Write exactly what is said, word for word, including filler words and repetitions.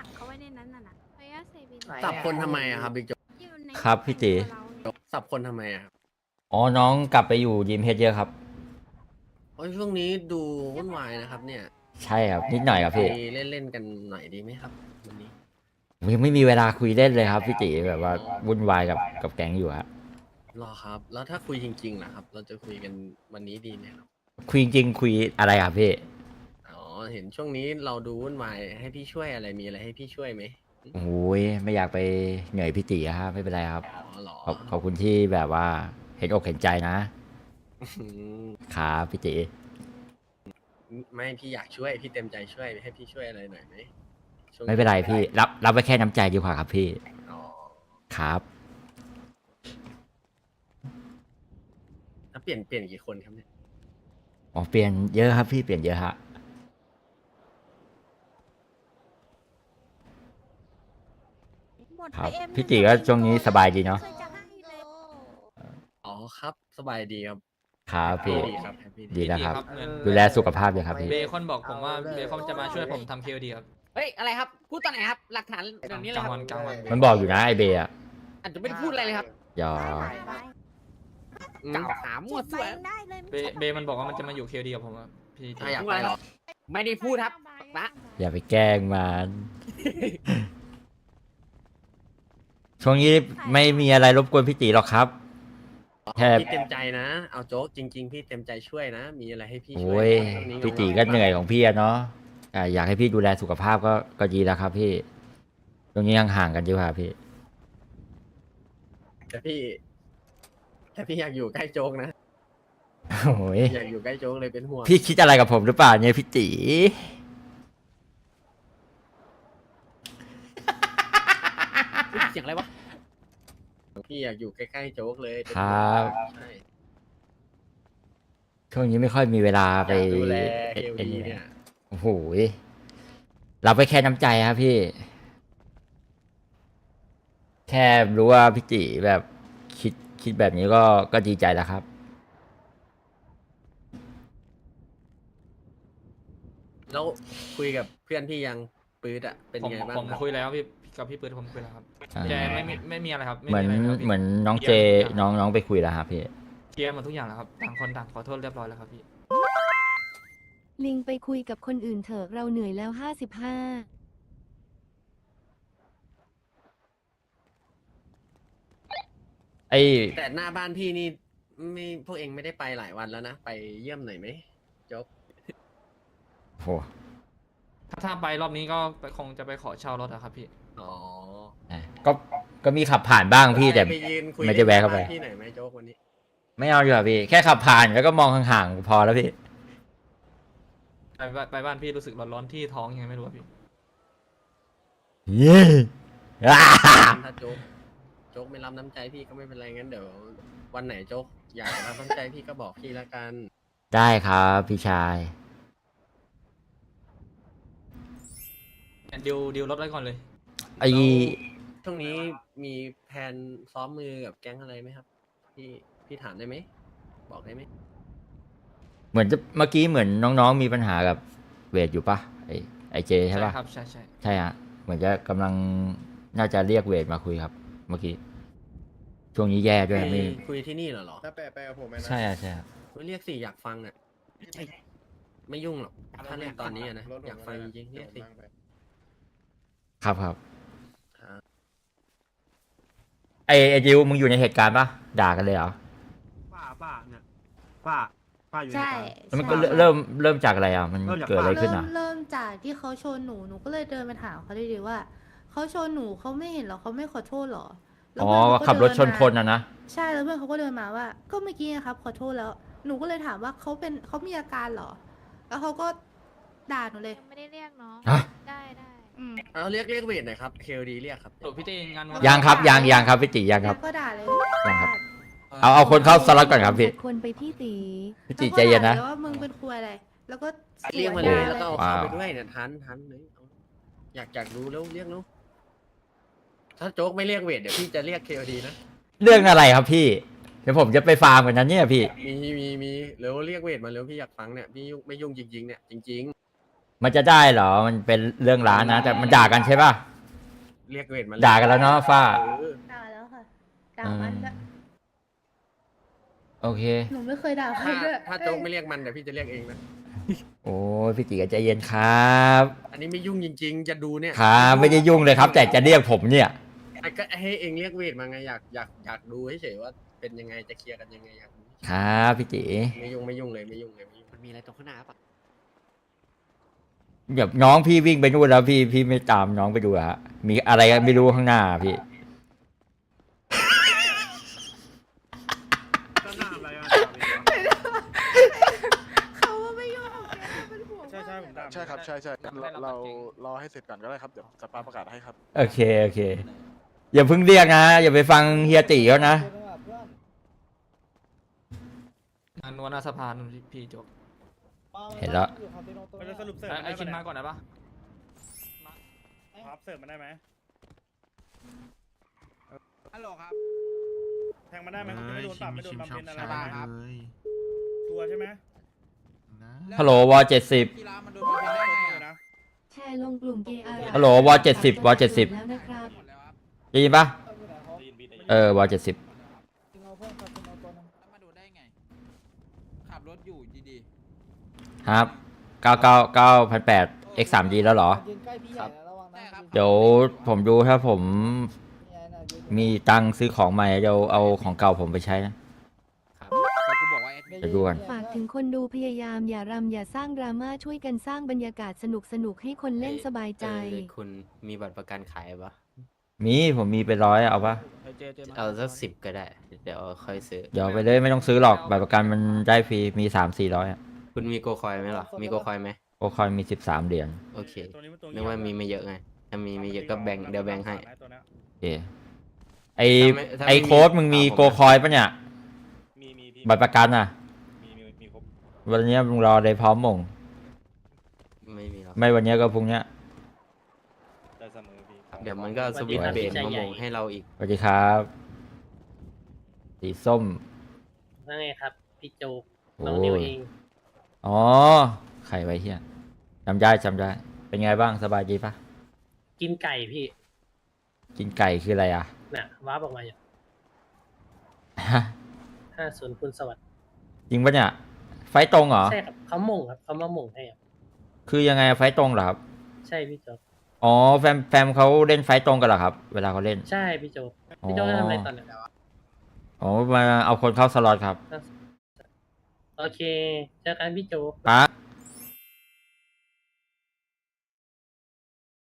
ขังเขาไว้ในนั้นน่ะนะพยาเซบินสับคนทำไมอะครับบิ๊กโจ๊กอยู่ในครับพี่ตีสับคนทำไมอะครับอ๋อน้องกลับไปอยู่ยิมเพชรเยอะครับโอ้ยช่วงนี้ดูวุ่นวายนะครับเนี่ยใช่ครับนิดหน่อยครับไปพี่เล่นเล่นๆกันหน่อยดีไหมครับวันนี้ผมยังไม่มีเวลาคุยเล่นเลยครับพี่ตีแบบว่าวุ่นวายกับกับแก๊งอยู่ครับรอครับ แล้วถ้าคุยจริงๆนะครับ เราจะคุยกันวันนี้ดีไหมครับคุยจริงๆคุยอะไรครับพี่อ๋อเห็นช่วงนี้เราดูวุ่นวายให้พี่ช่วยอะไรมีอะไรให้พี่ช่วยไหมโอ้ยไม่อยากไปเหนื่อยพี่ตีครับไม่เป็นไรครับอ๋อเหรอขอบขอบคุณที่แบบว่าเห็นอกเห็นใจนะอืมครับพี่ตีไม่พี่อยากช่วยพี่เต็มใจช่วยให้พี่ช่วยอะไรหน่อยไหมช่วงไม่เป็นไรพี่รับรับไว้แค่น้ำใจดีกว่าครับพี่อ๋อครับแล้วเปลี่ยนเปลี่ยนกี่คนครับเนี่ยอ๋อเปลี่ยนเยอะครับพี่เปลี่ยนเยอะฮะหมดครับไปเอ็มพี่ตีก็ช่วงนี้สบายดีเนาะคยจะให้เลยอ๋อครับสบายดีครับครับพี่ดีครับแฮปปี้ดีดีแล้วครับเหมือนดูแลสุขภาพด้วยครับพี่เบคอนบอกผมว่าเบคอนจะมาช่วยผมทำเคดีครับเฮ้ย อะไรครับ พูดตอนไหนครับ หลักฐานแบบนี้เลยกลางควัรับนกลางวันมันบอกอยู่นะไอเบย์อะอาจจะไม่ได้พูดอะไรเลยครับหยอได้ได้อืมกล่าวหามั่วเก็บซั่วไว้ได้เลยเบเบมันบอกว่ามันจะมาอยู่เคดีกับผมอะพี่ถ้าอยากไปเหรอไม่ได้พูดครับนะอย่าไปแกล้งมัน ช่วงนี้ไม่มีอะไรรบกวนพี่ตีหรอกครับ แค่พี่เต็มใจนะ เอาโจ๊กจริง ๆ พี่เต็มใจช่วยนะ มีอะไรให้พี่ช่โอ้วยยช่วงนี้พี่ตีก็เหนื่อยของพี่อะเนาะอ่าอยากให้พี่ดูแลสุขภาพก็ก็ดีแล้วครับพี่ ตรงนี้ห่างๆกันดีกว่าพี่แต่พี่ แต่พี่อยากอยู่ใกล้โจ๊กนะโอ้ยอยากอยู่ใกล้โจ๊กเลยเป็นห่วงพี่คิดอะไรกับผมหรือเปล่าเนี่ยพี่ตีเสียงอะไรวะพี่อยากอยู่ใกล้ๆโจ๊กเลยเป็นคห่วรังบใช่ช่วงนี้ไม่ค่อยมีเวลาอไปยากดูแลเคเอ็นวีเนี่ยโอ้โหยรับไปแค่น้ำใจครับพี่ แค่รู้ว่าพี่ติแบบคิดคิดแบบนี้ก็ก็ดีใจแล้วครับแล้วคุยกับเพื่อนพี่ยังปื๊ดอะเป็นผมไงบ้างผมคุยแล้วพี่กับพี่ปืนผมคุยแล้วครับอ่าแกไม่มีไม่มีอะไรครับไม่เหมือนมีอะไรครับพี่เหมือนน้องเจน้องน้องไปคุยแล้วครับพี่เคลียร์หมดทุกอย่างแล้วครับต่างคนต่างขอโทษเรียบร้อยแล้วครับพี่ลิงไปคุยกับคนอื่นเถอะเราเหนื่อยแล้วห้าสิบห้าไอ้แต่หน้าบ้านพี่นี่ไม่พวกเองไม่ได้ไปหลายวันแล้วนะ ไปเยี่ยมหน่อยไหมโจ๊กโหถ้าถ้าไปรอบนี้ก็ไปคงจะไปขอเช่ารถอะครับพี่อ๋ออ่ะก็ก็มีขับผ่านบ้างพี่แต่ไปยืนคุยไม่ได้แวะเข้าไปหน้บ้นพี่หน่อยไหมโจ๊กวันนี้ไม่เอาดีกว่าพี่ แค่ขับผ่านแล้วก็มองห่างๆพอแล้วพี่ไปบ้านไปบ้านพี่รู้สึกร้อนๆที่ท้องยังไงไม่รู้อะพี่เย้อ่าถ้าโจ๊กโจ๊กไม่รับน้ำใจพี่ก็ไม่เป็นไรงั้นเดี๋ยววันไหนโจ๊กอยากรับน้ำใจพี่ก็บอกพี่ละกันได้ครับพี่ชายดิวดิวรถไว้ก่อนเลยไอ้ช่วงนี้มีแผนซ้อมมือกับแก๊งอะไรไหมครับ พี่พี่ถามได้ไหมบอกได้ไหมเหมือนจะเมื่อกี้เหมือนน้องๆมีปัญหากับเวทอยู่ปะไอไอเจใช่ปะครับใช่ใช่ใช่ฮะเหมือนจะกำลังน่าจะเรียกเวทมาคุยครับ เมื่อกี้ช่วงนี้แย่ด้วยไปไม่คุยที่นี่เหรอเหรอถ้าแปลไปกับผมไหมนะใช่อะใช่อะไม่เรียกสิอยากฟังอ่ะเอ้ยไม่ยุ่งหรอกถ้าเรียกตอนนี้อะนะรถผมอยากฟังจริงๆเดี๋เรียยว กสินั่งไปครับครับครับไอไอดิวมึงอยู่ในเหตุการณ์ปะด่ากันเลยเหรอป้าป้าเนี่ยป้าป้าอยู่ในใช่เหตุการณ์แล้วมันก็ใช่เริ่มเริ่มจากอะไรอ่ะ มันเริ่มจากเกิดอะไรขึ้นเริ่อ่ะมเริ่มจากที่เขาชนหนูหนูก็เลยเดินไปถามเขาดีๆว่าเขาชนหนูเขาไม่เห็นหรอเขาไม่ขอโทษหรอแล้วอ๋อเพื่นเขาก็ขับรถชนเดิมาคนอ่ะนะใช่แล้วเพื่อนเขาก็เดินมาว่า ก็เมื่อกี้นะครับขอโทษแล้ว หนูก็เลยถามว่าเขาเป็นเขามีอาการเหรอ แล้วเขาก็ด่าหนูเลยยังไม่ได้เรียกเนาะฮะได้ได้อืมเอาเรียกเรียกเวทหน่อยครับเคลดีเรียกครับสรุปพี่เต้งานวันยังครับยังยังครับพี่ติยังคแล้รับวก็ด่าเลยยังครับ เอาเอาคนเข้าสล็อตก่อนครับพี่คนไปที่ตีพี่ติใจเย็นนะแล้วก็ด่าลว่ามึงเป็นครัวอะไร แล้วก็สวนเรียกมาเลยด่แล้วก็เอาเข้าว้าวไปด้วยเนี่ยทันทันเลยเอาอยากอยากรู้แล้วเรียกแล้วถ้าโจ๊กไม่เรียกเวทเดี๋ยวพี่จะเรียกเคลดีนะเรื่องอะไรครับพี่ เดี๋ยวผมจะไปฟาร์มกันนั้นเนี่ยพี่มีมีมีแล้วเรียกเวทมาแล้วพี่อยากฟังเนี่ยพี่ยุ่งไม่ยุ่งจริงๆเนี่ยจริงมันจะได้เหรอ มันเป็นเรื่องร้านนะ แต่มันด่ากันใช่ป่ะเรียกเวทมาด่ากันแล้วเนาะฟ้าเออด่าแล้วค่ะด่ามันด้วยโอเคหนูไม่เคยด่าใครถ้าด้วยถ้าโจ๊กไม่เรียกมันเดี๋ยวพี่จะเรียกเองนะโอ้ยพี่จีก็ใจเย็นครับอันนี้ไม่ยุ่งจริง ๆ จะดูเนี่ยครับไม่ได้ยุ่งเลยครับ แต่จะเรียกผมเนี่ยไอ้ก็ให้เองเรียกเวทมาไงอยากอยากอยากดูเฉยๆว่าเป็นยังไงจะเคลียร์กันยังไงอยากดูครับพี่จีไม่ยุ่งไม่ยุ่งเลยไม่ยุ่งเลยไม่ยุ่งมันมีอะไรตรงข้างหน้าปะแบบน้องพี่วิ่งไปนู่นแล้วพี่พี่ไม่ตามน้องไปดูอะฮะ มีอะไรกันไม่รู้ข้างหน้าพี่ก็หน้าอะไรอ่ะเขาว่าไม่ยุ่งกับแกเป็นห่วงใช่ใช่ผมด่าใช่ครับใช่ใช่งั้นเราเรารอให้เสร็จก่อนก็ได้ครับเดี๋ยวสปาประกาศให้ครับโอเคโอเค อย่าเพิ่งเรียกนะ อย่าไปฟังเฮียตีเขานะงานนวลหน้าสะพานพี่พี่โจ๊กเห็นแล้วเราจะสรุปเสิร์ฟไอ้มันไอ้ได้ชินมาปะก่อนได้ปะครับเสิร์ฟมันได้ไหมฮัลโหลครับแทงมันได้ไหมมันจะไม่โดนปรับไม่โดนบำเพ็ญอะไรสบายครับชัวร์ใช่ไหมฮัลโหลวอเจ็ดสิบกีฬามันโดนบำเพ็ญได้ไงเลยอะนะแชร์ลงกลุ่มเกอาร์ฮัลโหลวอเจ็ดสิบวอเจ็ดสิบแล้วนะครับหมดแล้วครับได้ยินปะเออวอเจ็ดสิบแล้วมาโดนได้ไง ขับรถอยู่ดีครับเก้าเก้าเก้าพันแปด x สาม g แล้วเหรอครับได้ครับเดี๋ยวผมดูถ้าผมมีตังค์ซื้อของใหม่เดี๋ยวเอาของเก่าผมไปใช้นะครับแต่กูบอกว่าแอดมินเดี๋ยวดูกันฝากถึงคนดูพยายามอย่ารำอย่าสร้างดราม่าช่วยกันสร้างบรรยากาศสนุกสนุกๆให้คนเล่นสบายใจเออคุณมีบัตรประกันขายปะมีผมมีไปร้อยเอาปะเอาสักสิบก็ได้ เดี๋ยวค่อยซื้อเดี๋ยวไปเลยไม่ต้องซื้อหรอกบัตรประกันมันได้ฟรีมีสามสี่ร้อยอะคุณมีโกคอยไหมล่ะ มีโกคอยไหมโอคอยมีสิบสามเหรียญโอเคตัวนี้มันตัวนึกว่ามีไม่เยอะไง ถ้ามีไม่เยอะก็แบ่งเดี๋ยวแบ่งให้ตัวเนี้ยโอเคไอถ้าไม่ถ้าไม่ไอโค้ดมึงมีมีโกคอยปะเนี่ยมีมีพี่บัตรประกันอ่ะมีมีมีครบวันเนี้ยมึงรอได้พร้อมมงไม่มีหรอกไม่วันเนี้ยก็พรุ่งเนี้ยได้เสมอพี่เดี๋ยวมันก็สวิตช์เบรกมาโมงให้เราอีกสวัสดีครับ สีส้มว่าไงครับ พี่โจกโอ้น้องนิวย เองอ๋อใครไว้เฮียจำได้จำได้ เป็นไงบ้างสบายดีปะกินไก่พี่กินไก่คืออะไรอ่ะน่ะว้าบออกมาอยู่ฮะห้าศูนย์คุณสวัสดิ์จริงปะเนี่ย ไฟตรงเหรอใช่ครับเขาหม่งครับเขามาหม่งให้ครับคือยังไงไฟตรงเหรอครับใช่พี่โจกอ๋อแฟมแฟมเขาเล่นไฟตรงกันเหรอครับ เวลาเขาเล่นใช่พี่โจกพี่โจกจะทำอะไรตอนไหนอ๋อมาเอาคนเข้าสล็อตครับโอเคเจอกันพี่โจกครับ